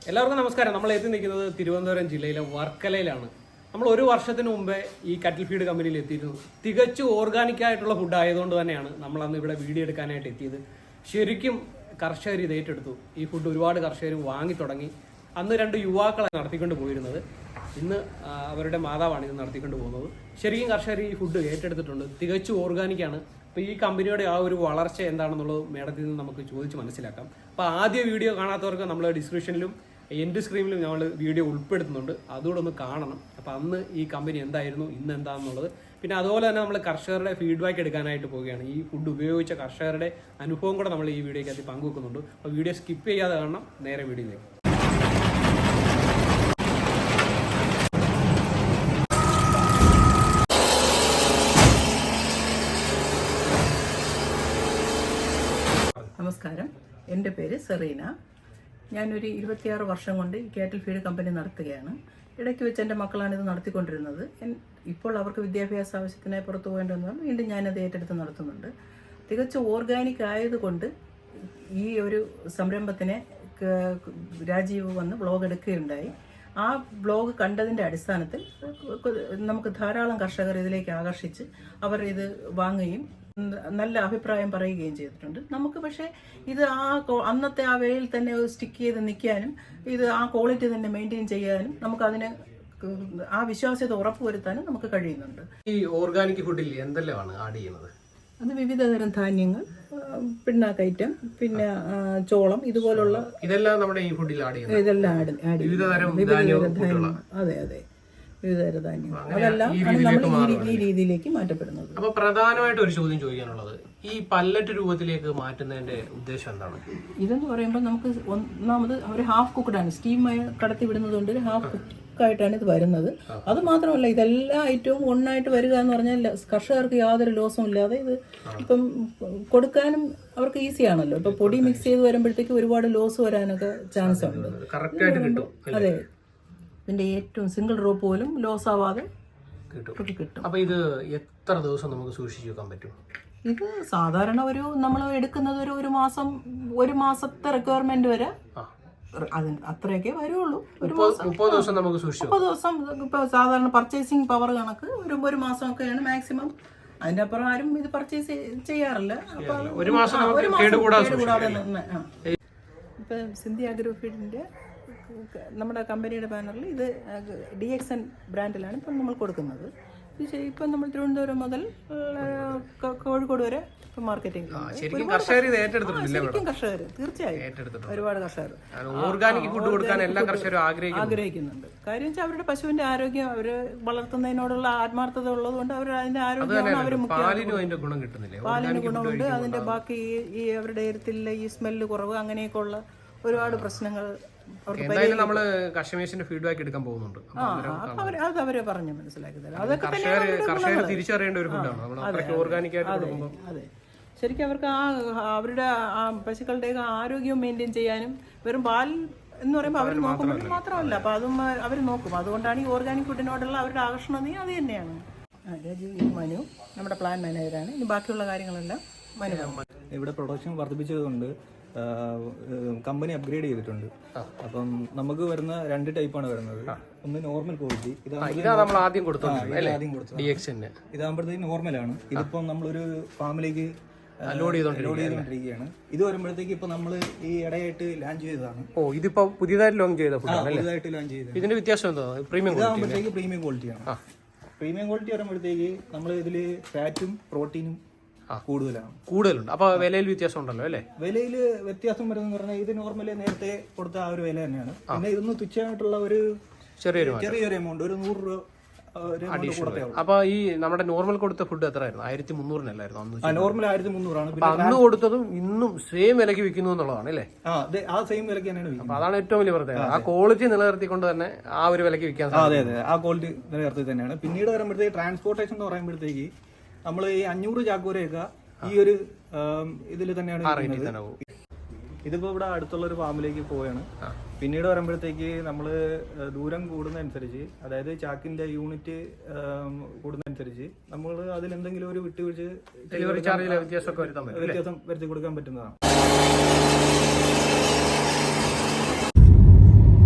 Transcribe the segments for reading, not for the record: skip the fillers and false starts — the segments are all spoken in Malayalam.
എല്ലാവർക്കും നമസ്കാരം. നമ്മൾ എത്തി നിൽക്കുന്നത് തിരുവനന്തപുരം ജില്ലയിലെ വർക്കലയിലാണ്. നമ്മൾ ഒരു വർഷത്തിന് മുമ്പേ ഈ കറ്റിൽ ഫീഡ് കമ്പനിയിൽ എത്തിയിരുന്നു. തികച്ചും ഓർഗാനിക് ആയിട്ടുള്ള ഫുഡ് ആയതുകൊണ്ട് തന്നെയാണ് നമ്മൾ അന്ന് ഇവിടെ വീഡിയോ എടുക്കാനായിട്ട് എത്തിയത്. ശരിക്കും കർഷകർ ഇത് ഏറ്റെടുത്തു. ഈ ഫുഡ് ഒരുപാട് കർഷകർ വാങ്ങി തുടങ്ങി. അന്ന് 2 യുവാക്കളെ നടത്തിക്കൊണ്ട് പോയിരുന്നത്. ഇന്ന് അവരുടെ മാതാവാണ് ഇത് നടത്തിക്കൊണ്ട് പോകുന്നത്. ശരിക്കും കർഷകർ ഈ ഫുഡ് ഏറ്റെടുത്തിട്ടുണ്ട്. തികച്ചും ഓർഗാനിക്കാണ്. അപ്പോൾ ഈ കമ്പനിയുടെ ആ ഒരു വളർച്ച എന്താണെന്നുള്ളത് മേഡത്തിൽ നിന്ന് നമുക്ക് ചോദിച്ച് മനസ്സിലാക്കാം. അപ്പോൾ ആദ്യ വീഡിയോ കാണാത്തവർക്ക് നമ്മൾ ഡിസ്ക്രിപ്ഷനിലും എൻഡ് സ്ക്രീനിലും നമ്മൾ വീഡിയോ ഉൾപ്പെടുത്തുന്നുണ്ട്. അതുകൂടെ ഒന്ന് കാണണം. അപ്പോൾ അന്ന് ഈ കമ്പനി എന്തായിരുന്നു, ഇന്ന് എന്താണെന്നുള്ളത്, പിന്നെ അതുപോലെ തന്നെ നമ്മൾ കർഷകരുടെ ഫീഡ്ബാക്ക് എടുക്കാനായിട്ട് പോവുകയാണ്. ഈ ഫുഡ് ഉപയോഗിച്ച കർഷകരുടെ അനുഭവം കൂടെ നമ്മൾ ഈ വീഡിയോയ്ക്കകത്ത് പങ്കുവെക്കുന്നുണ്ട്. അപ്പോൾ വീഡിയോ സ്കിപ്പ് ചെയ്യാതെ കാണണം. നേരെ വീഡിയോയിലേക്ക്. നമസ്കാരം, എൻ്റെ പേര് സെറീന. ഞാനൊരു 26 വർഷം കൊണ്ട് ഈ കാറ്റിൽ ഫീഡ് കമ്പനി നടത്തുകയാണ്. ഇടയ്ക്ക് വെച്ച് എൻ്റെ മക്കളാണ് ഇത് നടത്തിക്കൊണ്ടിരുന്നത്. ഇപ്പോൾ അവർക്ക് വിദ്യാഭ്യാസ ആവശ്യത്തിനായി പുറത്തു പോകേണ്ടതെന്ന് വീണ്ടും ഞാനത് ഏറ്റെടുത്ത് നടത്തുന്നുണ്ട്. തികച്ചും ഓർഗാനിക് ആയതുകൊണ്ട് ഈ ഒരു സംരംഭത്തിനെ രാജീവ് വന്ന് വ്ളോഗ് എടുക്കുകയുണ്ടായി. ആ വ്ളോഗ് കണ്ടതിൻ്റെ അടിസ്ഥാനത്തിൽ നമുക്ക് ധാരാളം കർഷകർ ഇതിലേക്ക് ആകർഷിച്ച് അവർ ഇത് വാങ്ങുകയും നല്ല അഭിപ്രായം പറയുകയും ചെയ്തിട്ടുണ്ട്. നമുക്ക് പക്ഷേ ഇത് അന്നത്തെ ആ വേയിൽ തന്നെ സ്റ്റിക്ക് ചെയ്ത് നിൽക്കാനും ഇത് ആ ക്വാളിറ്റി തന്നെ മെയിൻറ്റെയിൻ ചെയ്യാനും നമുക്കതിന് ആ വിശ്വാസ്യത ഉറപ്പുവരുത്താനും നമുക്ക് കഴിയുന്നുണ്ട്. ഈ ഓർഗാനിക് ഫുഡിൽ എന്തെല്ലാമാണ് ആഡ് ചെയ്യുന്നത്? അത് വിവിധതരം ധാന്യങ്ങൾ, പിണ്ണാക്കൈറ്റം, പിന്നെ ചോളം, ഇതുപോലുള്ള ഇതെല്ലാം നമ്മുടെ ഈ ഫുഡിൽ ആഡ് ചെയ്യുന്നത്. ഇതെല്ലാം അതെ അതെ വിവിധതരം ധാന്യങ്ങൾ, അതെല്ലാം നമ്മൾ ഈ രീതിയിലേക്ക് മാറ്റപ്പെടുന്നത്. അപ്പൊ പ്രധാനമായിട്ട് ഒരു ചോദ്യം ചോദിക്കാനുള്ളത്, ഈ പല്ലറ്റ് രൂപത്തിലേക്ക് മാറ്റുന്നതിന്റെ ഉദ്ദേശം എന്താണ്? ഇതെന്ന് പറയുമ്പോൾ നമുക്ക് ഒന്നാമത് ഒരു ഹാഫ് കുക്ക്ഡാണ്, സ്റ്റീമായി കടത്തി വിടുന്നത് കൊണ്ട് ഒരു ഹാഫ് കുക്കായിട്ടാണ് ഇത് വരുന്നത്. അത് മാത്രമല്ല, ഇതെല്ലാ ഐറ്റവും ഒന്നായിട്ട് വരിക എന്ന് പറഞ്ഞാൽ കർഷകർക്ക് യാതൊരു ലോസും ഇല്ലാതെ ഇത് ഇപ്പം കൊടുക്കാനും അവർക്ക് ഈസിയാണല്ലോ. ഇപ്പൊ പൊടി മിക്സ് ചെയ്ത് വരുമ്പോഴത്തേക്ക് ഒരുപാട് ലോസ് വരാനൊക്കെ ചാൻസ് ഉണ്ട്. അതെ, ഇതിന്റെ ഏറ്റവും സിംഗിൾ റോ പോലും ലോസ് ആവാതെ കിട്ടും. അപ്പൊ ഇത് എത്ര ദിവസം നമുക്ക് സൂക്ഷിച്ചു വെക്കാൻ പറ്റും? ഇത് സാധാരണ നമ്മൾ എടുക്കുന്നത് ഒരു മാസത്തെ റിക്വയർമെന്റ് വരെ അത്രയൊക്കെ വരുള്ളൂ. 30 ദിവസം നമുക്ക് സൂക്ഷിച്ചു. 30 ദിവസം ഇപ്പൊ സാധാരണ പർച്ചേസിങ് പവർ കണക്ക് ഒരു മാസമൊക്കെയാണ് മാക്സിമം. അതിന്റെ അപ്പുറം ആരും ഇത് പർച്ചേസ് ചെയ്യാറില്ല. ഒരു മാസം കേടുകൂടാതെ. ഇപ്പൊ സിന്ധി അഗ്രോ ഫീഡിന്റെ നമ്മുടെ കമ്പനിയുടെ ബാനറിൽ ഇത് DXN ബ്രാൻഡിലാണ് ഇപ്പം നമ്മൾ കൊടുക്കുന്നത്. ഇത് ഇപ്പം നമ്മൾ തിരുവനന്തപുരം മുതൽ കോഴിക്കോട് വരെ ഇപ്പം മാർക്കറ്റിംഗ്. ശരിക്കും കർഷകർ തീർച്ചയായും ഒരുപാട് കർഷകർ ഓർഗാനിക് ഫുഡ് കൊടുക്കാൻ എല്ലാ കർഷകരും ആഗ്രഹിക്കുന്നുണ്ട്. കാര്യം വെച്ചാൽ അവരുടെ പശുവിന്റെ ആരോഗ്യം അവർ വളർത്തുന്നതിനോടുള്ള ആത്മാർത്ഥത ഉള്ളതുകൊണ്ട് അവർ അതിന്റെ ആരോഗ്യമാണ് അവർ പാലിന് ഗുണം കിട്ടുന്നില്ല. പാലിന് ഗുണമുണ്ട്. അതിന്റെ ബാക്കി ഈ അവരുടെ എരുത്തിലെ ഈ സ്മെല്ല് കുറവ്, അങ്ങനെയൊക്കെ ഉള്ള ഒരുപാട് പ്രശ്നങ്ങൾ എന്തായാലും നമ്മള് കസ്റ്റമേഴ്സിന്റെ ഫീഡ്ബാക്ക് എടുക്കാൻ പോകുന്നുണ്ട്. അത് അവരെ പറഞ്ഞ് മനസ്സിലാക്കി തരാം. അതൊക്കെ കർഷകർ തിരിച്ചറിയേണ്ട ഒരു ഫുഡാണ് ഓർഗാനിക് ആയിട്ട് കൊടുക്കുമ്പോൾ. അതെ, ശരിക്കും അവർക്ക് അവരുടെ പശുക്കളുടെ ആരോഗ്യം മെയിൻറ്റെയിൻ ചെയ്യാനും വെറും പാൽ എന്ന് പറയുമ്പോൾ അവർ നോക്കുമ്പോൾ മാത്രമല്ല, അപ്പൊ അതും അവർ നോക്കും. അതുകൊണ്ടാണ് ഈ ഓർഗാനിക് ഫുഡിനോടുള്ള അവരുടെ ആകർഷണം അത് തന്നെയാണ്. രാജീവ് മനു നമ്മുടെ പ്ലാൻ മാനേജറാണ്. ഇനി ബാക്കിയുള്ള കാര്യങ്ങളെല്ലാം മനു. ഇവിടെ പ്രൊഡക്ഷൻ വർദ്ധിപ്പിച്ചതുകൊണ്ട് കമ്പനി അപ്ഗ്രേഡ് ചെയ്തിട്ടുണ്ട്. അപ്പം നമുക്ക് വരുന്ന 2 ടൈപ്പാണ് വരുന്നത്. ഒന്ന് നോർമൽ ക്വാളിറ്റി, ഇതാകുമ്പോഴത്തേക്ക് നോർമലാണ്. ഇതിപ്പം നമ്മളൊരു ഫാമിലേക്ക് ലോഡ് ചെയ്തോണ്ടിരിക്കുകയാണ്. ഇത് വരുമ്പോഴത്തേക്ക് ഇപ്പൊ നമ്മള് ഈ ഇടയായിട്ട് ലോഞ്ച് ചെയ്തതാണ്. ഇതിപ്പോ പുതിയതായിട്ട് ലോഞ്ച് ചെയ്ത പുതിയതായിട്ട് ലോഞ്ച് ചെയ്തത്. ഇതിന്റെ വ്യത്യാസം എന്താ? ഇതാകുമ്പോഴത്തേക്ക് പ്രീമിയം ക്വാളിറ്റിയാണ്. പ്രീമിയം ക്വാളിറ്റി വരുമ്പോഴത്തേക്ക് നമ്മൾ ഇതില് ഫാറ്റും പ്രോട്ടീനും കൂടുതലുണ്ട്. അപ്പൊ വിലയിൽ വ്യത്യാസം ഉണ്ടല്ലോ അല്ലേ? വിലയിൽ വ്യത്യാസം വരുന്ന പറഞ്ഞാൽ ഇത് നോർമലി നേരത്തെ കൊടുത്ത ആ ഒരു വില തന്നെയാണ്. പിന്നെ ഇതൊന്ന് തുച്ഛമായിട്ടുള്ള ഒരു ചെറിയൊരു എമൗണ്ട്, ഒരു 100 രൂപ. അപ്പൊ ഈ നമ്മുടെ നോർമൽ കൊടുത്ത ഫുഡ് എത്രയായിരുന്നു? 1300 നോർമൽ 1300 അന്ന് കൊടുത്തതും ഇന്നും സെയിം വിലക്ക് വിൽക്കുന്നു എന്നുള്ളതാണ് അല്ലേ? ആ സെയിം വിലക്ക് തന്നെയാണ്. അപ്പൊ അതാണ് ഏറ്റവും വലിയ പ്രത്യേകത. ആ ക്വാളിറ്റി നിലനിർത്തിക്കൊണ്ട് തന്നെ ആ ഒരു വിലക്ക് വിൽക്കാൻ സാധിക്കും. അതെ അതെ, ആ ക്വാളിറ്റി നിലനിർത്തി തന്നെയാണ്. പിന്നീട് വരുമ്പോഴത്തേക്ക് ട്രാൻസ്പോർട്ടേഷൻ എന്ന് പറയുമ്പോഴത്തേക്ക് നമ്മൾ ഈ 500 ചാക്കൂരയൊക്കെ ഈ ഒരു ഇതിൽ തന്നെയാണ്. ഇതിപ്പോ ഇവിടെ അടുത്തുള്ള ഒരു ഫാമിലേക്ക് പോവുകയാണ്. പിന്നീട് വരുമ്പോഴത്തേക്ക് നമ്മൾ ദൂരം കൂടുന്നതനുസരിച്ച്, അതായത് ചാക്കിന്റെ യൂണിറ്റ് കൂടുന്നതനുസരിച്ച് നമ്മൾ അതിലെന്തെങ്കിലും ഒരു വിട്ടുവീഴ്ച വ്യത്യാസം വരുത്തി കൊടുക്കാൻ പറ്റുന്നതാണ്.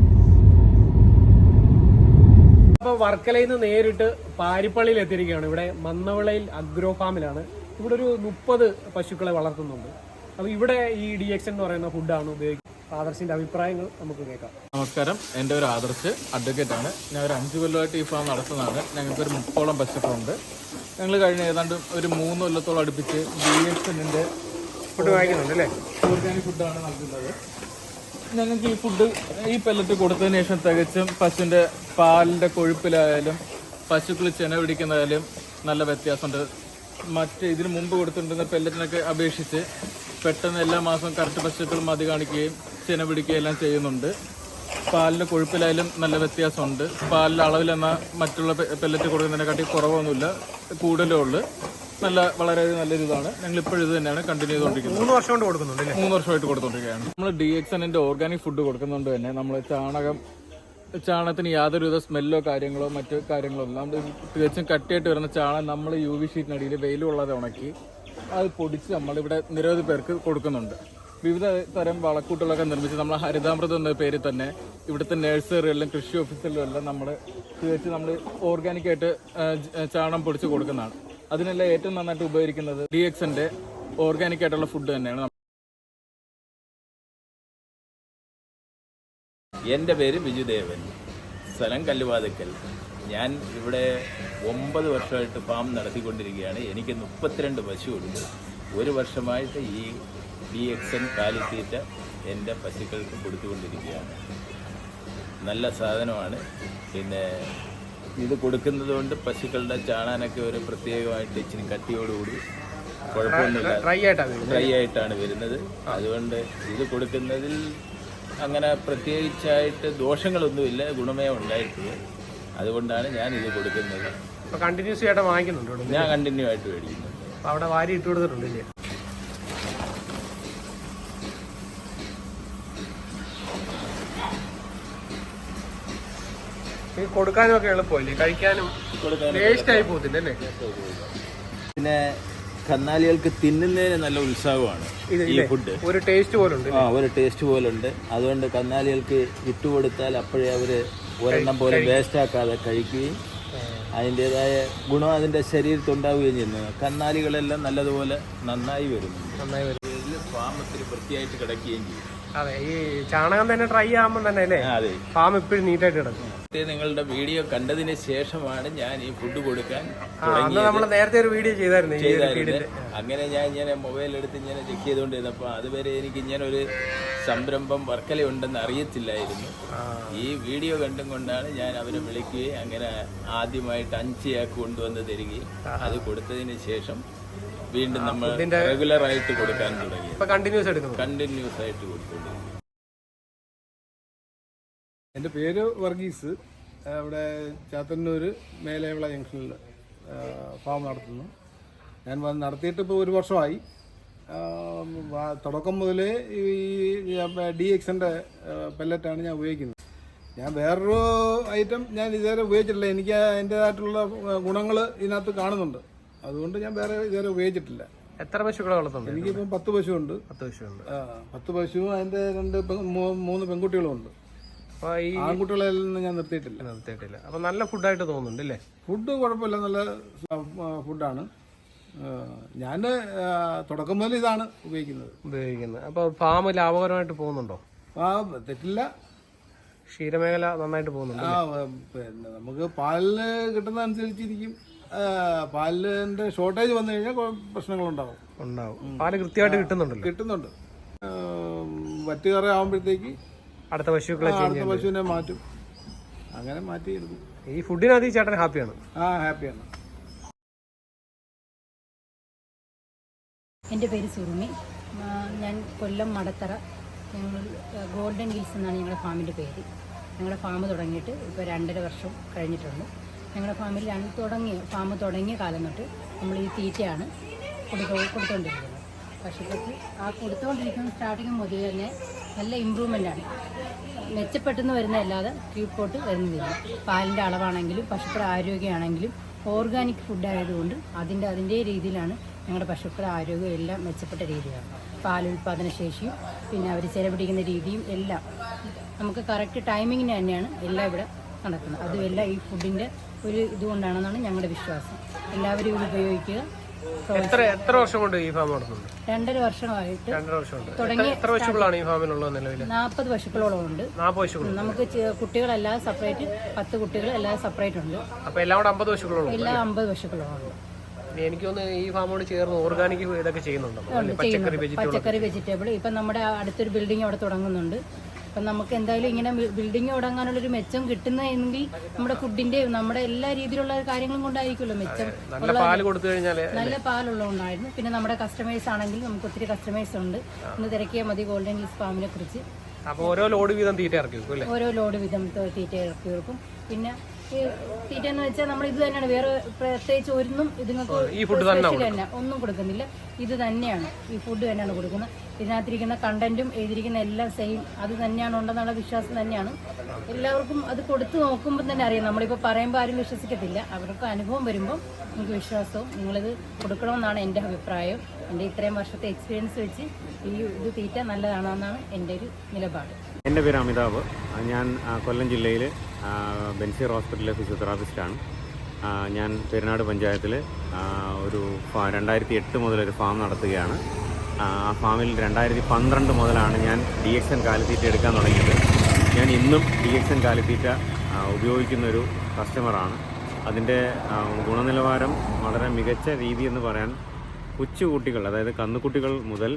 വർക്കലയിൽ നിന്ന് നേരിട്ട് പാരിപ്പള്ളിയിൽ എത്തിയിരിക്കുകയാണ്. ഇവിടെ മന്നവിളയിൽ അഗ്രോ ഫാമിലാണ്. ഇവിടെ ഒരു 30 പശുക്കളെ വളർത്തുന്നുണ്ട്. അപ്പോൾ ഇവിടെ ഈ DXN എന്ന് പറയുന്ന ഫുഡാണ് ഉപയോഗിക്കുന്നത്. ആദർശിന്റെ അഭിപ്രായങ്ങൾ നമുക്ക് കേൾക്കാം. നമസ്കാരം, എൻ്റെ ഒരു ആദർശ് അഡ്വക്കേറ്റ് ആണ്. ഞാൻ ഒരു 5 കൊല്ലമായിട്ട് ഈ ഫാം നടത്തുന്നതാണ്. ഞങ്ങൾക്കൊരു 30ഓളം പശുക്കളുണ്ട്. ഞങ്ങൾ കഴിഞ്ഞ ഏതാണ്ട് ഒരു 3 കൊല്ലത്തോളം അടുപ്പിച്ച് DXNന്റെ ഫുഡ് വാങ്ങിക്കുന്നുണ്ട് അല്ലേ? ഓർഗാനിക് ഫുഡാണ് നൽകുന്നത്. ഞങ്ങൾക്ക് ഈ ഫുഡ് ഈ പെല്ലറ്റ് കൊടുത്തതിന് ശേഷം തികച്ചും പശുവിൻ്റെ പാലിൻ്റെ കൊഴുപ്പിലായാലും പശുക്കൾ ചെന പിടിക്കുന്നതായാലും നല്ല വ്യത്യാസമുണ്ട്. മറ്റ് ഇതിന് മുമ്പ് കൊടുത്തിട്ടുണ്ടെന്ന പെല്ലറ്റിനൊക്കെ അപേക്ഷിച്ച് പെട്ടെന്ന് എല്ലാ മാസവും കറക്റ്റ് പശുക്കൾ മതി കാണിക്കുകയും ചെന പിടിക്കുകയും എല്ലാം ചെയ്യുന്നുണ്ട്. പാലിൻ്റെ കൊഴുപ്പിലായാലും നല്ല വ്യത്യാസമുണ്ട്. പാലിൻ്റെ അളവിലെന്നാൽ മറ്റുള്ള പെല്ലറ്റ് കൊടുക്കുന്നതിനെക്കാട്ടി കുറവൊന്നുമില്ല, കൂടുതലേ ഉള്ളൂ. വളരെ നല്ലൊരു ഇതാണ്. ഞങ്ങൾ ഇപ്പോഴും ഇത് തന്നെയാണ് കണ്ടിന്യൂ ചെയ്തുകൊണ്ടിരിക്കുന്നത്. 3 വർഷം കൊണ്ട് കൊടുക്കുന്നുണ്ട്. 3 വർഷമായിട്ട് കൊടുത്തുകൊണ്ടിരിക്കുകയാണ്. നമ്മൾ DXNന്റെ ഓർഗാനിക് ഫുഡ് കൊടുക്കുന്നതുകൊണ്ട് തന്നെ നമ്മൾ ചാണകത്തിന് യാതൊരുവിധ സ്മെല്ലോ കാര്യങ്ങളോ മറ്റു കാര്യങ്ങളോ ഇല്ല. നമ്മൾ തികച്ചും കട്ടിയായിട്ട് വരുന്ന ചാണകം നമ്മൾ UV ഷീറ്റിനടിയിൽ വെയിൽ കൊള്ളാതെ ഉണക്കി അത് പൊടിച്ച് നമ്മളിവിടെ നിരവധി പേർക്ക് കൊടുക്കുന്നുണ്ട്. വിവിധ തരം വളക്കൂട്ടുകളൊക്കെ നിർമ്മിച്ച് നമ്മൾ ഹരിതാമൃതം എന്ന പേരിൽ തന്നെ ഇവിടുത്തെ നഴ്സറികളിലും കൃഷി ഓഫീസുകളിലും എല്ലാം നമ്മൾ ഓർഗാനിക്കായിട്ട് ചാണകം പൊടിച്ച് കൊടുക്കുന്നതാണ്. അതിനെല്ലാം ഏറ്റവും നന്നായിട്ട് ഉപകരിക്കുന്നത് DXNന്റെ ഓർഗാനിക് ആയിട്ടുള്ള ഫുഡ് തന്നെയാണ്. എൻ്റെ പേര് ബിജുദേവൻ, സ്ഥലം കല്ലുവാതുക്കൽ. ഞാൻ ഇവിടെ 9 വർഷമായിട്ട് ഫാം നടത്തിക്കൊണ്ടിരിക്കുകയാണ്. എനിക്ക് 32 പശുവുണ്ട്. 1 വർഷമായിട്ട് ഈ DXN കാലിത്തീറ്റ എൻ്റെ പശുക്കൾക്ക് കൊടുത്തുകൊണ്ടിരിക്കുകയാണ്. നല്ല സാധനമാണ്. പിന്നെ ഇത് കൊടുക്കുന്നത് കൊണ്ട് പശുക്കളുടെ ചാണാനൊക്കെ ഒരു പ്രത്യേകമായിട്ട് ഇച്ചിരി കട്ടിയോടുകൂടി കുഴപ്പമൊന്നുമില്ല, ഡ്രൈ ആയിട്ടാണ് വരുന്നത്. അതുകൊണ്ട് ഇത് കൊടുക്കുന്നതിൽ അങ്ങനെ പ്രത്യേകിച്ചായിട്ട് ദോഷങ്ങളൊന്നുമില്ല, ഗുണമേ ഉണ്ടായിട്ടുള്ളൂ. അതുകൊണ്ടാണ് ഞാൻ ഇത് കൊടുക്കുന്നത്. കണ്ടിന്യൂസ് ആയിട്ട് വാങ്ങിക്കുന്നുണ്ട്. ഞാൻ കണ്ടിന്യൂ ആയിട്ട് മേടിക്കുന്നുണ്ട്. അവിടെ വാരി ഇട്ട് കൊടുത്തിട്ടുണ്ടല്ലേ? കൊടുക്കാനും ഒക്കെ എളുപ്പമല്ലേ, കഴിക്കാനും ടേസ്റ്റ് ആയി പോകത്തില്ല അല്ലേ? പിന്നെ കന്നാലികൾക്ക് തിന്നുന്നതിന് നല്ല ഉത്സാഹമാണ് ഈ ഫുഡ്. ഒരു ടേസ്റ്റ് പോലുണ്ട്. ഒരു ടേസ്റ്റ് പോലുണ്ട്. അതുകൊണ്ട് കന്നാലികൾക്ക് ഇട്ടുകൊടുത്താൽ അപ്പോഴേ അവർ ഒരെണ്ണം പോലെ വേസ്റ്റ് ആക്കാതെ കഴിക്കുകയും അതിൻ്റെതായ ഗുണം അതിൻ്റെ ശരീരത്തുണ്ടാവുകയും ചെയ്യുന്നു. കന്നാലികളെല്ലാം നല്ലതുപോലെ നന്നായി വരുന്നുണ്ട്. ഫാം ഒത്തിരി വൃത്തിയായിട്ട് കിടക്കുകയും ചെയ്യും. അതെ, ഈ ചാണകം തന്നെ ഡ്രൈ ആകുമ്പോൾ തന്നെ അല്ലേ ഫാം എപ്പോഴും നീറ്റായിട്ട് കിടക്കും. നിങ്ങളുടെ വീഡിയോ കണ്ടതിന് ശേഷമാണ് ഞാൻ ഈ ഫുഡ് കൊടുക്കാൻ നമ്മൾ നേരത്തെ ഒരു വീഡിയോ ചെയ്തായിരുന്നു. അങ്ങനെ ഞാൻ ഇങ്ങനെ മൊബൈൽ എടുത്ത് ഇങ്ങനെ ചെക്ക് ചെയ്തുകൊണ്ടിരുന്നപ്പോൾ അതുവരെ എനിക്ക് ഇങ്ങനെ ഒരു സംരംഭം വർക്കല ഉണ്ടെന്ന് അറിയത്തില്ലായിരുന്നു. ഈ വീഡിയോ കണ്ടും കൊണ്ടാണ് ഞാൻ അവരെ വിളിക്കുകയും അങ്ങനെ ആദ്യമായിട്ട് 5 ചാക്ക് കൊണ്ടുവന്ന് തരികയും അത് കൊടുത്തതിന് ശേഷം വീണ്ടും നമ്മൾ റെഗുലർ ആയിട്ട് കൊടുക്കാൻ തുടങ്ങി. കണ്ടിന്യൂസ് ആയിട്ട് കൊടുത്തുകൊണ്ടിരിക്കും. എൻ്റെ പേര് വർഗീസ്. ഇവിടെ ചാത്തന്നൂർ മേലേവിള ജംഗ്ഷനിൽ ഫാം നടത്തുന്നു. ഞാൻ നടത്തിയിട്ട് ഇപ്പോൾ 1 വർഷമായി. തുടക്കം മുതലേ ഈ DXNന്റെ പെല്ലറ്റാണ് ഞാൻ ഉപയോഗിക്കുന്നത്. ഞാൻ വേറൊരു ഐറ്റം ഞാൻ ഇതുവരെ ഉപയോഗിച്ചിട്ടില്ല. എനിക്ക് അതിൻ്റേതായിട്ടുള്ള ഗുണങ്ങൾ ഇതിനകത്ത് കാണുന്നുണ്ട്. അതുകൊണ്ട് ഞാൻ വേറെ ഇതുവരെ ഉപയോഗിച്ചിട്ടില്ല. എത്ര പശുക്കളെ വളർത്തുന്നുണ്ട്? എനിക്കിപ്പം 10 പശുവുണ്ട്. 10 പശുവും അതിൻ്റെ 3 പെൺകുട്ടികളും ഉണ്ട്. ആൺകുട്ടികളെല്ലാം ഞാൻ നിർത്തിയിട്ടില്ല. അപ്പൊ നല്ല ഫുഡായിട്ട് തോന്നുന്നുണ്ട് അല്ലേ? ഫുഡ് കുഴപ്പമില്ല, നല്ല ഫുഡാണ്. ഞാൻ തുടക്കം മുതൽ ഇതാണ് ഉപയോഗിക്കുന്നത്. അപ്പൊ ഫാം ലാഭകരമായിട്ട് പോകുന്നുണ്ടോ? തെറ്റില്ല. ക്ഷീരമേഖല നന്നായിട്ട് പോകുന്നുണ്ട്. പിന്നെ നമുക്ക് പാലിന് കിട്ടുന്ന അനുസരിച്ചിരിക്കും. പാലിന്റെ ഷോർട്ടേജ് വന്നു കഴിഞ്ഞാൽ പ്രശ്നങ്ങളുണ്ടാവും. പാല് കൃത്യമായിട്ട് കിട്ടുന്നുണ്ട്. വറ്റുകറ ആവുമ്പോഴത്തേക്ക് അടുത്ത പശുവിനെ മാറ്റും. അങ്ങനെ മാറ്റിയെടുക്കും. ഈ ഫുഡിനകത്ത് ചേട്ടൻ ഹാപ്പിയാണ്? ഹാപ്പിയാണ്. എൻ്റെ പേര് സുറുമി. ഞാൻ കൊല്ലം മടത്തറ. ഞങ്ങൾ ഗോൾഡൻ ഹിൽസ് എന്നാണ് ഞങ്ങളുടെ ഫാമിൻ്റെ പേര്. ഞങ്ങളുടെ ഫാം തുടങ്ങിയിട്ട് ഇപ്പോൾ 2.5 വർഷം കഴിഞ്ഞിട്ടുണ്ട്. ഞങ്ങളുടെ ഫാമിൽ ഫാം തുടങ്ങിയ കാലം തൊട്ട് നമ്മൾ ഈ തീറ്റയാണ് കൊടുത്തുകൊണ്ടിരിക്കുന്നത്. പശുക്കൾക്ക് കൊടുത്തുകൊണ്ടിരിക്കുന്ന സ്റ്റാർട്ടിങ് മുതൽ തന്നെ നല്ല ഇമ്പ്രൂവ്മെൻ്റാണ്. മെച്ചപ്പെട്ടെന്ന് വരുന്നതല്ലാതെ കീഴ്പോട്ട് വരുന്നില്ല. പാലിൻ്റെ അളവാണെങ്കിലും പശുക്കളുടെ ആരോഗ്യമാണെങ്കിലും ഓർഗാനിക് ഫുഡായതുകൊണ്ട് അതിൻ്റെ രീതിയിലാണ് ഞങ്ങളുടെ പശുക്കളുടെ ആരോഗ്യം എല്ലാം മെച്ചപ്പെട്ട രീതിയാണ്. പാലുൽപാദന ശേഷിയും പിന്നെ അവർ ചെലപിടിക്കുന്ന രീതിയും എല്ലാം നമുക്ക് കറക്റ്റ് ടൈമിങ്ങിന് തന്നെയാണ് എല്ലാം ഇവിടെ നടക്കുന്നത്. അതുമെല്ലാം ഈ ഫുഡിൻ്റെ ഒരു ഇതുകൊണ്ടാണെന്നാണ് ഞങ്ങളുടെ വിശ്വാസം. എല്ലാവരും ഇത് ഉപയോഗിക്കുക. എത്ര വർഷം കൊണ്ട് ഈ ഫാം നടത്തുന്നുണ്ട്? 2.5 വർഷമായിട്ട് 2.5 വർഷമുണ്ട്. തുടങ്ങി. എത്ര പശുക്കളാണ് ഈ ഫാമിലുള്ളത് നിലവിൽ? 40 പശുക്കളോളം ഉണ്ട്. 40 പശുക്കൾ. നമുക്ക് കുട്ടികളല്ലാതെ സെപ്പറേറ്റ് 10 കുട്ടികൾ അല്ലാതെ സെപ്പറേറ്റ് ഉണ്ട്. അപ്പൊ എല്ലാം കൂടെ 50 പശുക്കളോളം? എല്ലാം 50 പശുക്കളോളം ഉണ്ട്. എനിക്ക് തോന്നുന്നു ഈ ഫാമോട് ചേർന്ന് ഓർഗാനിക് ഇതൊക്കെ ചെയ്യുന്നുണ്ടോ? പച്ചക്കറി, വെജിറ്റബിൾ. ഇപ്പം നമ്മുടെ അടുത്തൊരു ബിൽഡിംഗ് അവിടെ തുടങ്ങുന്നുണ്ട്. അപ്പം നമുക്ക് എന്തായാലും ഇങ്ങനെ ബിൽഡിംഗ് തുടങ്ങാനുള്ളൊരു മെച്ചം കിട്ടുന്നതെങ്കിൽ നമ്മുടെ ഫുഡിന്റെ നമ്മുടെ എല്ലാ രീതിയിലുള്ള കാര്യങ്ങളും കൊണ്ടായിരിക്കുമല്ലോ മെച്ചം. നല്ല പാല് കൊടുത്തു കഴിഞ്ഞാൽ നല്ല പാലുള്ളതുകൊണ്ടായിരുന്നു. പിന്നെ നമ്മുടെ കസ്റ്റമേഴ്സ് ആണെങ്കിൽ നമുക്ക് ഒത്തിരി കസ്റ്റമേഴ്സ് ഉണ്ട്. ഒന്ന് തിരക്കിയാൽ മതി ഗോൾഡൻ ഹിൽസ് ഫാമിനെ കുറിച്ച്. അപ്പോൾ ഓരോ ലോഡ് വീതം തീറ്റ ഇറക്കി വെക്കും അല്ലേ? ഓരോ ലോഡ് വീതം തീറ്റ ഇറക്കി വെക്കും. പിന്നെ ഈ തീറ്റ എന്ന് വെച്ചാൽ നമ്മൾ ഇത് തന്നെയാണ്, വേറെ പ്രത്യേകിച്ച് ഒന്നും ഇതുങ്ങൾക്ക് സ്പെഷ്യൽ തന്നെ ഒന്നും കൊടുക്കുന്നില്ല. ഇത് തന്നെയാണ്, ഈ ഫുഡ് തന്നെയാണ് കൊടുക്കുന്നത്. ഇതിനകത്തിരിക്കുന്ന കണ്ടന്റും എഴുതിയിരിക്കുന്ന എല്ലാം സെയിം അത് തന്നെയാണ് ഉണ്ടെന്നുള്ള വിശ്വാസം തന്നെയാണ്. എല്ലാവർക്കും അത് കൊടുത്തു നോക്കുമ്പോൾ തന്നെ അറിയാം. നമ്മളിപ്പോൾ പറയുമ്പോൾ ആരും വിശ്വസിക്കത്തില്ല. അവർക്ക് അനുഭവം വരുമ്പോൾ നമുക്ക് വിശ്വാസവും നിങ്ങളിത് കൊടുക്കണമെന്നാണ് എൻ്റെ അഭിപ്രായം. എൻ്റെ ഇത്രയും വർഷത്തെ എക്സ്പീരിയൻസ് വെച്ച് ഇത് തീറ്റ നല്ലതാണെന്നാണ് എൻ്റെ ഒരു നിലപാട്. എൻ്റെ പേര് അമിതാഭ്. ഞാൻ കൊല്ലം ജില്ലയിൽ ബെൻസീർ ഹോസ്പിറ്റലിലെ ഫിസിയോതെറാപ്പിസ്റ്റാണ്. ഞാൻ പെരുന്നാട് പഞ്ചായത്തിൽ ഒരു 2008 മുതലൊരു ഫാം നടത്തുകയാണ്. ആ ഫാമിൽ 2012 മുതലാണ് ഞാൻ DXN കാലിത്തീറ്റ എടുക്കാൻ തുടങ്ങിയത്. ഞാൻ ഇന്നും DXN കാലിത്തീറ്റ ഉപയോഗിക്കുന്നൊരു കസ്റ്റമറാണ്. അതിൻ്റെ ഗുണനിലവാരം വളരെ മികച്ച രീതി എന്ന് പറയാൻ കൊച്ചുകുട്ടികൾ, അതായത് കന്നുകുട്ടികൾ മുതൽ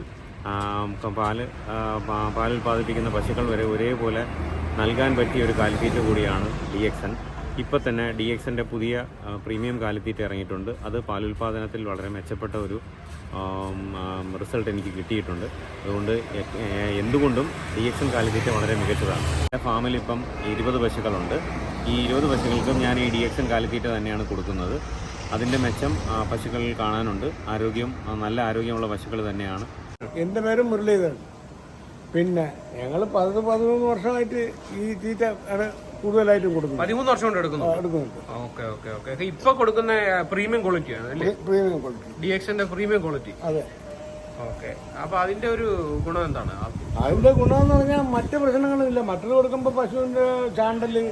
പാൽ ഉൽപ്പാദിപ്പിക്കുന്ന പശുക്കൾ വരെ ഒരേപോലെ നൽകാൻ പറ്റിയ ഒരു കാലിത്തീറ്റ കൂടിയാണ് DXN. ഇപ്പോൾ തന്നെ DXൻ്റെ പുതിയ പ്രീമിയം കാലിത്തീറ്റ ഇറങ്ങിയിട്ടുണ്ട്. അത് പാലുൽപാദനത്തിൽ വളരെ മെച്ചപ്പെട്ട ഒരു റിസൾട്ട് എനിക്ക് കിട്ടിയിട്ടുണ്ട്. അതുകൊണ്ട് എന്തുകൊണ്ടും DXN കാലിത്തീറ്റ വളരെ മികച്ചതാണ്. എൻ്റെ ഫാമിൽ ഇപ്പം 20 പശുക്കളുണ്ട്. ഈ 20 പശുക്കൾക്കും ഞാൻ ഈ DXN കാലിത്തീറ്റ തന്നെയാണ് കൊടുക്കുന്നത്. അതിൻ്റെ മെച്ചം പശുക്കളിൽ കാണാനുണ്ട്. നല്ല ആരോഗ്യമുള്ള പശുക്കൾ തന്നെയാണ്. എൻ്റെ പേര് മുരളീധരൻ. പിന്നെ ഞങ്ങൾ 13 വർഷമായിട്ട് ഈ തീറ്റ കൂടുതലായിട്ടും കൊടുക്കുന്നു. 13 വർഷം കൊണ്ട് എടുക്കുന്നുണ്ട്. Okay okay okay. ഇപ്പൊ കൊടുക്കുന്ന പ്രീമിയം ക്വാളിറ്റി ആണ് അല്ലേ? പ്രീമിയം ക്വാളിറ്റി, DXന്റെ പ്രീമിയം ക്വാളിറ്റി. അതെ. ഓക്കെ. അപ്പൊ അതിന്റെ ഒരു ഗുണം എന്താണ്? അതിന്റെ ഗുണമെന്ന് പറഞ്ഞാൽ മറ്റു പ്രശ്നങ്ങളില്ല. മറ്റത് കൊടുക്കുമ്പോൾ പശുവിന്റെ ചാണ്ടല്,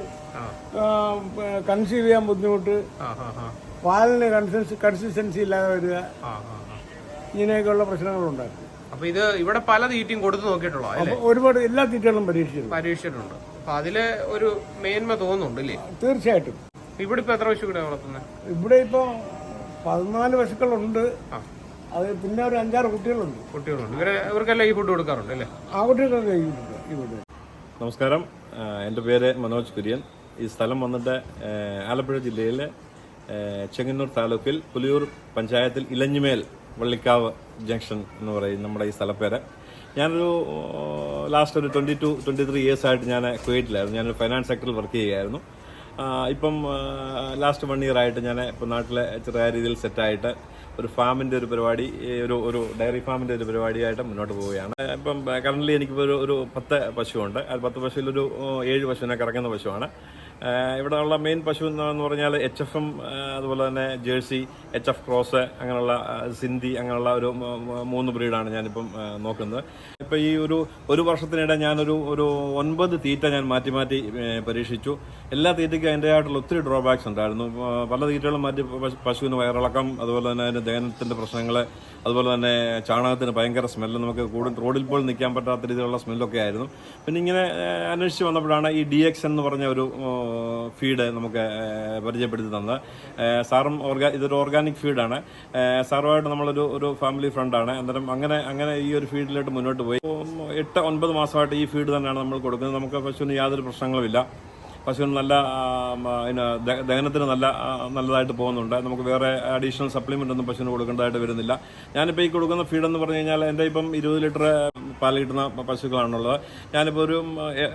കൺസീവ് ചെയ്യാൻ ബുദ്ധിമുട്ട്, പാലിന് കൺസിസ്റ്റൻസി ഇല്ലാതെ വരിക, ഇങ്ങനെയൊക്കെയുള്ള പ്രശ്നങ്ങളുണ്ടായിരുന്നു. അപ്പൊ ഇത് ഇവിടെ പല തീറ്റയും കൊടുത്തു നോക്കിയിട്ടുള്ളൂ അല്ലേ? ഒരുപാട് എല്ലാ തീറ്റകളും പരീക്ഷിച്ചിട്ടുണ്ട്. അപ്പൊ അതില് ഒരു മേന്മ തോന്നുന്നുണ്ട് അല്ലേ? തീർച്ചയായിട്ടും. ഇവിടെ ഇപ്പൊ എത്ര പശുക്കളെ വളർത്തുന്നത്? ഇവിടെ ഇപ്പൊ 14 പശുക്കളുണ്ട്. അത് പിന്നെ ഒരു 5-6 കുട്ടികളുണ്ട്. ഇവർക്കെല്ലാം ഈ ഫുഡ് കൊടുക്കാറുണ്ട് അല്ലേ? ആ കുട്ടികളൊക്കെ ഈ ഫുഡ്. നമസ്കാരം, എൻ്റെ പേര് മനോജ് കുര്യൻ. ഈ സ്ഥലം വന്നിട്ട് ആലപ്പുഴ ജില്ലയിലെ ചെങ്ങന്നൂർ താലൂക്കിൽ പുലിയൂർ പഞ്ചായത്തിൽ ഇലഞ്ഞിമേൽ വള്ളിക്കാവ് ജംഗ്ഷൻ എന്ന് പറയും നമ്മുടെ ഈ സ്ഥലപ്പേര്. ഞാനൊരു ലാസ്റ്റ് ഒരു 22-23 ഇയേഴ്സായിട്ട് ഞാൻ കുവൈറ്റിലായിരുന്നു. ഞാനൊരു ഫൈനാൻസ് സെക്ടറിൽ വർക്ക് ചെയ്യുകയായിരുന്നു. ഇപ്പം ലാസ്റ്റ് 1 ഇയർ ആയിട്ട് ഞാൻ ഇപ്പം നാട്ടിലെ ചെറിയ രീതിയിൽ സെറ്റായിട്ട് ഒരു ഫാമിൻ്റെ ഒരു പരിപാടി, ഒരു ഡയറി ഫാമിൻ്റെ ഒരു പരിപാടിയായിട്ട് മുന്നോട്ട് പോവുകയാണ്. ഇപ്പം കറൻ്റ്ലി എനിക്കിപ്പോൾ ഒരു 10 പശുവുണ്ട്. അത് 10 പശുവിലൊരു 7 പശുവിനെ കറക്കുന്ന പശുവാണ്. ഇവിടെ ഉള്ള മെയിൻ പശു എന്ന് പറഞ്ഞാൽ HFM, അതുപോലെ തന്നെ ജേഴ്സി, HF ക്രോസ്, അങ്ങനെയുള്ള സിന്ധി, അങ്ങനെയുള്ള ഒരു 3 ബ്രീഡാണ് ഞാനിപ്പം നോക്കുന്നത്. ഇപ്പം ഈ ഒരു വർഷത്തിനിടെ ഞാനൊരു 9 തീറ്റ ഞാൻ മാറ്റി പരീക്ഷിച്ചു. എല്ലാ തീറ്റയ്ക്കും അതിൻ്റെതായിട്ടുള്ള ഒത്തിരി ഡ്രോബാക്സ് ഉണ്ടായിരുന്നു. പല തീറ്റകളും മാറ്റി പശുവിന് വയറിളക്കം, അതുപോലെ തന്നെ അതിൻ്റെ ദഹനത്തിൻ്റെ പ്രശ്നങ്ങൾ, അതുപോലെ തന്നെ ചാണകത്തിന് ഭയങ്കര സ്മെല്ല്, നമുക്ക് റോഡിൽ പോലും നിൽക്കാൻ പറ്റാത്ത രീതിയിലുള്ള സ്മെല്ലൊക്കെ ആയിരുന്നു. പിന്നെ ഇങ്ങനെ അന്വേഷിച്ച് വന്നപ്പോഴാണ് ഈ DXN എന്ന് പറഞ്ഞ ഒരു ഫീഡ് നമുക്ക് പരിചയപ്പെടുത്തി തന്നത്. സാറും ഇതൊരു ഓർഗാനിക് ഫീഡാണ്. സാറുമായിട്ട് നമ്മളൊരു ഫാമിലി ഫ്രണ്ടാണ്. അന്നേരം അങ്ങനെ ഈ ഒരു ഫീഡിലോട്ട് മുന്നോട്ട് പോയി 8-9 മാസമായിട്ട് ഈ ഫീഡ് തന്നെയാണ് നമ്മൾ കൊടുക്കുന്നത്. നമുക്ക് പശുവിന് യാതൊരു പ്രശ്നങ്ങളുമില്ല. പശുവിന് നല്ല ദഹനത്തിന് നല്ലതായിട്ട് പോകുന്നുണ്ട്. നമുക്ക് വേറെ അഡീഷണൽ സപ്ലിമെൻ്റ് ഒന്നും പശുവിന് കൊടുക്കേണ്ടതായിട്ട് വരുന്നില്ല. ഞാനിപ്പോൾ ഈ കൊടുക്കുന്ന ഫീഡെന്ന് പറഞ്ഞു കഴിഞ്ഞാൽ എൻ്റെ ഇപ്പം 20 ലിറ്റർ പാൽ കിട്ടുന്ന പശുക്കളാണുള്ളത്. ഞാനിപ്പോൾ ഒരു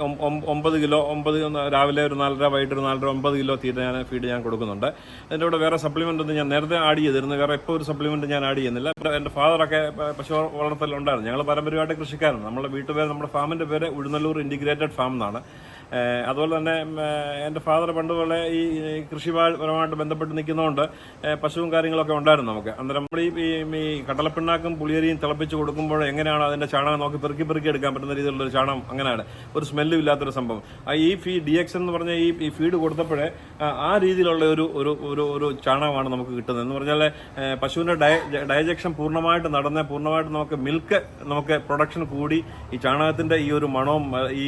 9 കിലോ രാവിലെ ഒരു 4:30, വൈകിട്ട് ഒരു 4:30, 9 കിലോ ഫീഡ് ഞാൻ കൊടുക്കുന്നുണ്ട്. അതിൻ്റെ കൂടെ വേറെ സപ്ലിമെൻ്റ് ഒന്നും ഞാൻ നേരത്തെ ആഡ് ചെയ്തിരുന്നു. വേറെ ഇപ്പോൾ ഒരു സപ്ലിമെൻ്റ് ഞാൻ ആഡ് ചെയ്യുന്നില്ല. എൻ്റെ ഫാദറൊക്കെ പശു വളർത്തലുണ്ടായിരുന്നു. ഞങ്ങൾ പാരമ്പര്യമായിട്ട് കൃഷിക്കാരാണ്. നമ്മുടെ വീട്ടുപേര്, നമ്മുടെ ഫാമിൻ്റെ പേര് ഉഴുന്നല്ലൂർ ഇൻറ്റിഗ്രേറ്റഡ് ഫാം എന്നാണ്. അതുപോലെ തന്നെ എൻ്റെ ഫാദർ പണ്ട് പോലെ ഈ കൃഷിപരമായിട്ട് ബന്ധപ്പെട്ട് നിൽക്കുന്നതുകൊണ്ട് പശുവും കാര്യങ്ങളൊക്കെ ഉണ്ടായിരുന്നു നമുക്ക്. അന്നേരം നമ്മൾ ഈ കടലപ്പിണ്ണാക്കും പുളിയരിയും തിളപ്പിച്ച് കൊടുക്കുമ്പോൾ എങ്ങനെയാണ് അതിൻ്റെ ചാണകം നോക്കി പെറുക്കി എടുക്കാൻ പറ്റുന്ന രീതിയിലുള്ളൊരു ചാണകം, അങ്ങനെയാണ് ഒരു സ്മെല്ലും ഇല്ലാത്തൊരു സംഭവം. ഈ DX എന്ന് പറഞ്ഞ ഈ ഫീഡ് കൊടുത്തപ്പോഴേ ആ രീതിയിലുള്ള ഒരു ചാണകമാണ് നമുക്ക് കിട്ടുന്നത്. എന്ന് പറഞ്ഞാൽ പശുവിൻ്റെ ഡൈജക്ഷൻ പൂർണ്ണമായിട്ട് നടന്ന് പൂർണ്ണമായിട്ട് നമുക്ക് പ്രൊഡക്ഷൻ കൂടി ഈ ചാണകത്തിൻ്റെ ഈ ഒരു മണവും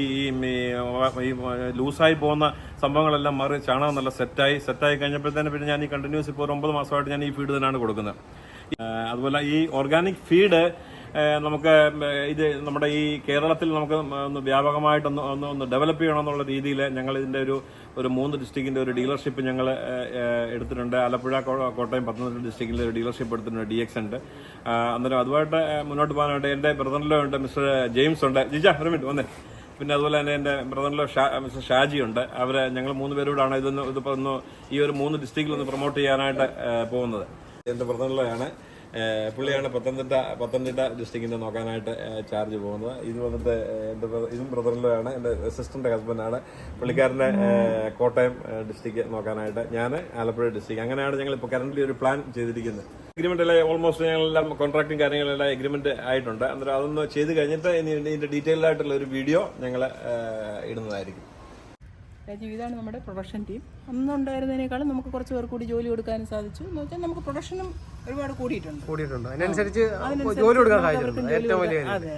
ഈ ലൂസായി പോകുന്ന സംഭവങ്ങളെല്ലാം മാറി ചാണകം നല്ല സെറ്റായി കഴിഞ്ഞപ്പോഴത്തേന് പിന്നെ ഞാൻ ഈ കണ്ടിന്യൂസ് ഇപ്പോൾ 9 മാസമായിട്ട് ഞാൻ ഈ ഫീഡ് തന്നെയാണ് കൊടുക്കുന്നത്. അതുപോലെ ഈ ഓർഗാനിക് ഫീഡ് നമുക്ക് ഇത് നമ്മുടെ ഈ കേരളത്തിൽ നമുക്ക് ഒന്ന് വ്യാപകമായിട്ടൊന്ന് ഡെവലപ്പ് ചെയ്യണമെന്നുള്ള രീതിയിൽ ഞങ്ങൾ ഇതിൻ്റെ ഒരു 3 ഡിസ്ട്രിക്റ്റിൻ്റെ ഒരു ഡീലർഷിപ്പ് ഞങ്ങൾ എടുത്തിട്ടുണ്ട്. ആലപ്പുഴ, കോട്ടയം, പത്തനംതിട്ട ഡിസ്ട്രിക്റ്റിലെ ഒരു ഡീലർഷിപ്പ് എടുത്തിട്ടുണ്ട്. DX ഉണ്ട്. അന്നേരം അതുമായിട്ട് മുന്നോട്ട് പോകാനായിട്ട് എൻ്റെ ബ്രദറിലോ ഉണ്ട്, മിസ്റ്റർ ജെയിംസ് ഉണ്ട്. ജിജ ഒരു മിനിറ്റ് വന്നേ. പിന്നെ അതുപോലെ തന്നെ എൻ്റെ ബ്രദറിലോ മിസ്റ്റർ ഷാജി ഉണ്ട്. അവരെ ഞങ്ങൾ 3 പേരോടാണ് ഇതിപ്പോൾ ഒന്ന് ഈ ഒരു 3 ഡിസ്ട്രിക്റ്റിൽ ഒന്ന് പ്രൊമോട്ട് ചെയ്യാനായിട്ട് പോകുന്നത്. എൻ്റെ ബ്രദറിലോയാണ്. പുള്ളിയാണ് പത്തനംതിട്ട ഡിസ്ട്രിക്റ്റിൻ്റെ നോക്കാനായിട്ട് ചാർജ് പോകുന്നത്. ഇത് വന്നിട്ട് ഇതും ബ്രദറിലാണ്, എൻ്റെ സിസ്റ്ററിൻ്റെ ഹസ്ബൻഡാണ്. പുള്ളിക്കാരൻ്റെ കോട്ടയം ഡിസ്ട്രിക്റ്റ് നോക്കാനായിട്ട്, ഞാൻ ആലപ്പുഴ ഡിസ്ട്രിക്റ്റ്. അങ്ങനെയാണ് ഞങ്ങൾ ഇപ്പോൾ കറൻ്റ് ഒരു പ്ലാൻ ചെയ്തിരിക്കുന്നത്. എഗ്രിമെൻ്റ് എല്ലാം ഓൾമോസ്റ്റ് ഞങ്ങളെല്ലാം കോൺട്രാക്റ്റും കാര്യങ്ങളെല്ലാം എഗ്രിമെന്റ് ആയിട്ടുണ്ട്. അന്നേരം അതൊന്ന് ചെയ്ത് കഴിഞ്ഞിട്ട് ഇതിൻ്റെ ഡീറ്റെയിൽഡ് ആയിട്ടുള്ള ഒരു വീഡിയോ ഞങ്ങൾ ഇടുന്നതായിരിക്കും. രാജീവ്, ഇതാണ് നമ്മുടെ പ്രൊഡക്ഷൻ ടീം. അന്നുണ്ടായിരുന്നതിനേക്കാളും നമുക്ക് കുറച്ച് പേർ കൂടി ജോലി കൊടുക്കാനും സാധിച്ചു. എന്ന് വെച്ചാൽ നമുക്ക് പ്രൊഡക്ഷനും ഒരുപാട് കൂടിയിട്ടുണ്ട്. അതിനനുസരിച്ച് ജോലി കൊടുക്കാൻ ഏറ്റവും വലിയ അതെ.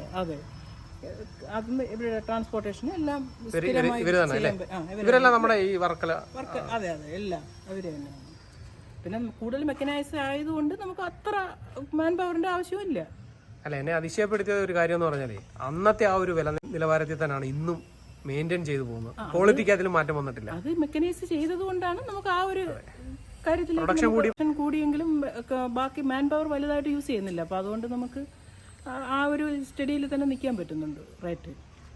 അതിന് ഇവിടെ ട്രാൻസ്പോർട്ടേഷൻ എല്ലാം ഇവരെല്ലാം നമ്മുടെ ഈ വർക്കല അതെ എല്ലാം അവര് തന്നെയാണ്. പിന്നെ കൂടുതൽ മെക്കനൈസ് ആയതുകൊണ്ട് നമുക്ക് അത്ര മാൻ പവറിന്റെ ആവശ്യമില്ല. അല്ല, എന്നെ അതിശയപ്പെടുത്തിയ ഒരു കാര്യം എന്ന് പറഞ്ഞാലേ അന്നത്തെ ആ ഒരു വില നിലവാരത്തിൽ തന്നെയാണ് ഇന്നും മെയിൻറ്റെയിൻ ചെയ്തു പോകുന്നത്. ക്വാളിറ്റിക്ക് അതിൽ മാറ്റം വന്നിട്ടില്ല. അത് മെക്കനൈസ് ചെയ്തത് കൊണ്ടാണ് നമുക്ക് ആ ഒരു കാര്യത്തിൽ പ്രൊഡക്ഷൻ കൂടിയെങ്കിലും ബാക്കി മാൻ പവർ വലുതായിട്ട് യൂസ് ചെയ്യുന്നില്ല. അപ്പോൾ അതുകൊണ്ട് നമുക്ക് ആ ഒരു സ്റ്റഡിയിൽ തന്നെ നിൽക്കാൻ പറ്റുന്നുണ്ട് റേറ്റ്.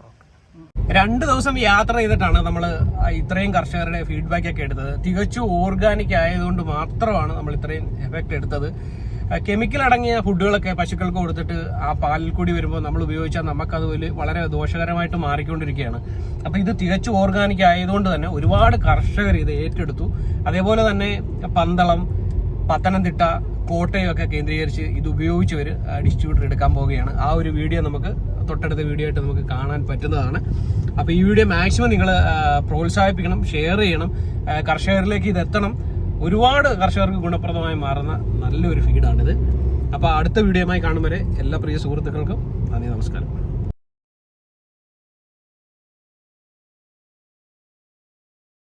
2 ദിവസം യാത്ര ചെയ്തിട്ടാണ് നമ്മൾ ഇത്രയും കർഷകരുടെ ഫീഡ്ബാക്ക് ഒക്കെ എടുത്തത്. തികച്ചും ഓർഗാനിക് ആയതുകൊണ്ട് മാത്രമാണ് നമ്മൾ ഇത്രയും എഫക്റ്റ് എടുത്തത്. കെമിക്കൽ അടങ്ങിയ ഫുഡുകളൊക്കെ പശുക്കൾക്ക് കൊടുത്തിട്ട് ആ പാലിൽ കൂടി വരുമ്പോൾ നമ്മൾ ഉപയോഗിച്ചാൽ നമുക്കത് വളരെ ദോഷകരമായിട്ട് മാറിക്കൊണ്ടിരിക്കുകയാണ്. അപ്പോൾ ഇത് തികച്ചും ഓർഗാനിക് ആയതുകൊണ്ട് തന്നെ ഒരുപാട് കർഷകർ ഇത് ഏറ്റെടുത്തു. അതേപോലെ തന്നെ പന്തളം, പത്തനംതിട്ട, കോട്ടയം ഒക്കെ കേന്ദ്രീകരിച്ച് ഇത് ഉപയോഗിച്ചവർ ഡിസ്ട്രിബ്യൂട്ടർ എടുക്കാൻ പോവുകയാണ്. ആ ഒരു വീഡിയോ നമുക്ക് തൊട്ടടുത്ത വീഡിയോ ആയിട്ട് നമുക്ക് കാണാൻ പറ്റുന്നതാണ്. അപ്പോൾ ഈ വീഡിയോ മാക്സിമം നിങ്ങൾ പ്രോത്സാഹിപ്പിക്കണം, ഷെയർ ചെയ്യണം, കർഷകരിലേക്ക് ഇത് എത്തണം. ഒരുപാട് കർഷകർക്ക് ഗുണപ്രദമായി മാറുന്ന നല്ലൊരു ഫീഡാണിത്. അപ്പോൾ അടുത്ത വീഡിയോയുമായി കാണും വരെ എല്ലാ പ്രിയ സുഹൃത്തുക്കൾക്കും നന്ദി, നമസ്കാരം.